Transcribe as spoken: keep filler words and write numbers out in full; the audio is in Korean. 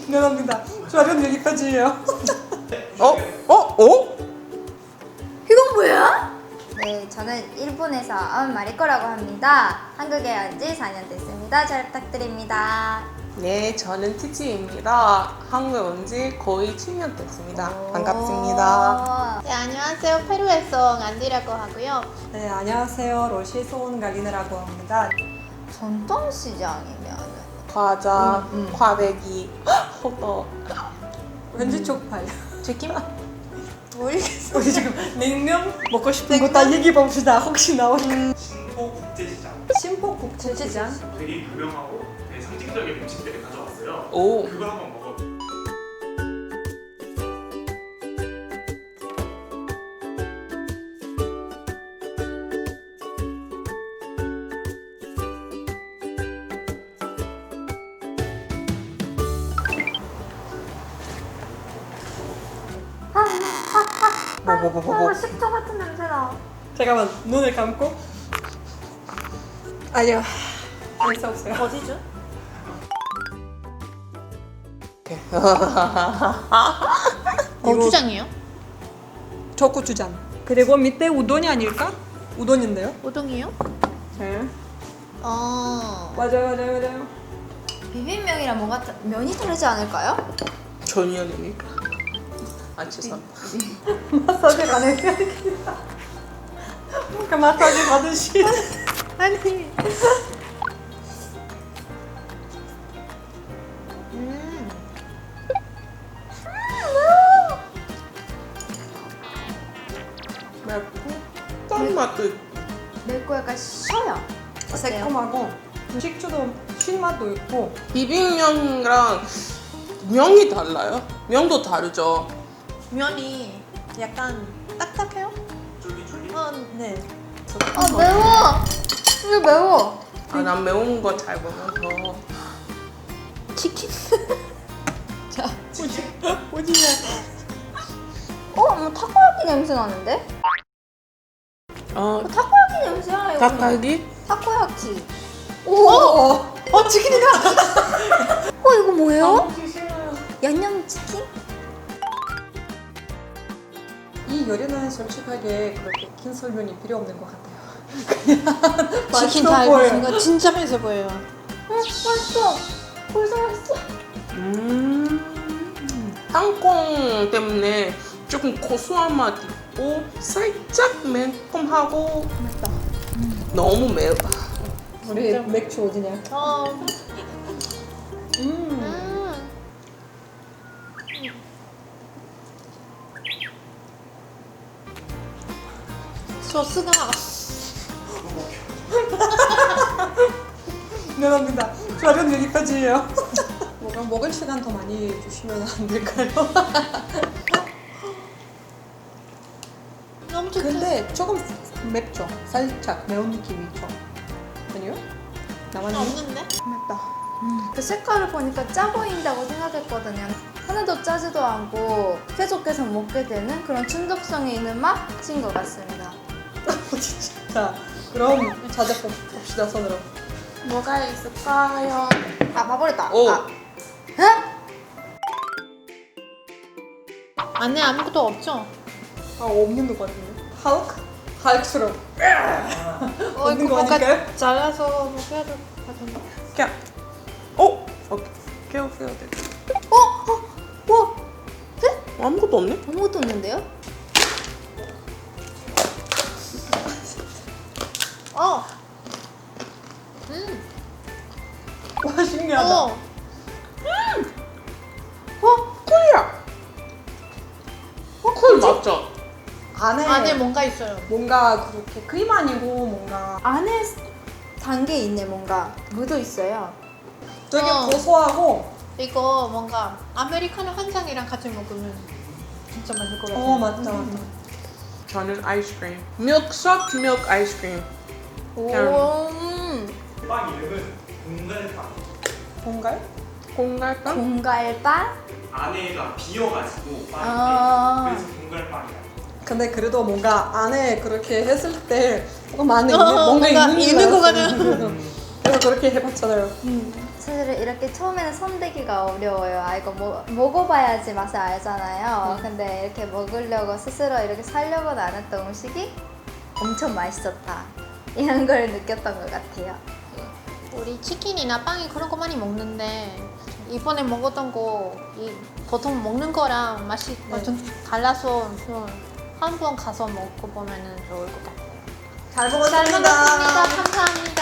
미안합니다. 촬영 여기까지예요. 어? 어? 어? 이건 뭐야? 네, 저는 일본에서 온 마리코라고 합니다. 한국에 온 지 사 년 됐습니다. 잘 부탁드립니다. 네, 저는 티지입니다. 한국에 온 지 거의 칠 년 됐습니다. 반갑습니다. 네, 안녕하세요. 페루에서 온 안디라고 하고요. 네, 안녕하세요. 러시아에서 온 갈리네라고 합니다. 전통시장이면 과자, 음, 음. 과배기, 호떡. 왠지 쪽팔려. 치킨? 모르겠어. 우리 지금 냉면 먹고 싶은 거 다 얘기해 봅시다. 혹시 나올까? 신포 국제시장. 신포 국제시장. 되게 유명하고 되게 상징적인 음식들을 가져왔어요. 오. 그거 한번 먹어. 뭐, 뭐, 뭐, 뭐, 뭐. 식초 같은 냄새나. 잠깐만 눈을 감고. 아니요. 알 수 없어요. 어디죠? 고추장이요? 저 고추장. 그리고 밑에 우동이 아닐까? 우동인데요? 우동이요? 네. 어. 맞아요, 맞아요, 맞아요. 비빔면이랑 뭔가 다- 면이 다르지 않을까요? 전혀 되니까. 아, 죄송합니다. 마사지 가는 게 아니라. 뭔가 마사지 받으시. 아니. 음. 맵고, 짠 맛도 있고. 맵고 약간 쉬어요. 새콤하고 식초도 신맛도 있고. 비빔면이랑 면이 달라요? 면도 다르죠? 면이 약간 딱딱해요? 쫄깃쫄깃. 어, 네. 아 매워. 이게 매워. 아, 난 매운 거 잘 먹어서. 치킨? 오지냐? 어, 뭐 타코야키 냄새 나는데? 어, 타코야키 냄새야 이거. 닭갈비? 타코야키. 오, 어, 어 치킨이다. 어 이거 뭐예요? 싫어요. 양념 치킨? 이 요리는 솔직하게 그렇게 긴 설명이 필요 없는 것 같아요. 그냥 치킨 맛있어 달고 보여요. 있는 거 진짜 맛있어 보여요. 응, 맛있어. 벌써 맛있어. 음. 땅콩 때문에 조금 고소한 맛 있고, 살짝 매콤하고, 맛있다. 너무 매워. 우리 맥주 어디냐? 어. 음. 음. 소스가 미안합니다. 촬영 여기까지예요. 뭐가 먹을 시간 더 많이 주시면 안 될까요? 너무 좋다. 근데 조금 맵죠? 살짝 매운 느낌이 있죠? 아니요? 나만 없는데? 맵다. 그 색깔을 보니까 짜 보인다고 생각했거든요. 하나도 짜지도 않고 계속해서 먹게 되는 그런 중독성이 있는 맛인 것 같습니다. 진짜. 자, 그럼 자자 봅시다, 손으로. 뭐가 있을까요? 아, 봐버렸다. 오. 아. 에? 안에 아무것도 없죠? 아, 없는 것 같은데. 할크? 할크스러워. 어, 없는 이거 거 뭔가 아닐까요? 잘라서 뭐 해야 될 것 같은데. 그냥, 어? 오케이. 깨워, 깨워, 돼. 어? 어? 와, 아무것도 없네? 아무것도 없는데요? 어. 음. 와, 신기하다. 어. 어? 꿀이야! 어, 꿀 맞죠? 안에, 안에 뭔가 있어요. 뭔가 그렇게 크림 아니고 뭔가 안에 단 게 있네, 뭔가. 묻어 있어요. 되게 어. 고소하고 이거 뭔가 아메리카노 한 잔이랑 같이 먹으면 진짜 맛있을 것 같아요. 어, 맞다, 맞다. 저는 아이스크림. 밀크, 소프트 밀크 아이스크림. 오. 음. 빵 이름은 공갈빵. 뭔가요? 공갈빵? 공갈빵? 안에가 비어가지고 빵인데 아. 그래서 공갈빵이야. 근데 그래도 뭔가 안에 그렇게 했을 때 뭔가 안에 어, 있는, 뭔가, 뭔가 있는, 있는 것 같았어요. 같아요. 제가 그렇게 해봤잖아요. 음, 사실은 이렇게 처음에는 손대기가 어려워요. 아 이거 뭐, 먹어봐야지 맛을 알잖아요. 음. 근데 이렇게 먹으려고 스스로 이렇게 살려고 나눴던 음식이 엄청 맛있었다. 이런 걸 느꼈던 것 같아요. 우리 치킨이나 빵이 그런 거 많이 먹는데 이번에 먹었던 거 이 보통 먹는 거랑 맛이 네. 좀 달라서 좀 한 번 가서 먹고 보면은 좋을 것 같아요. 잘 잘 먹었습니다. 먹었습니다. 감사합니다.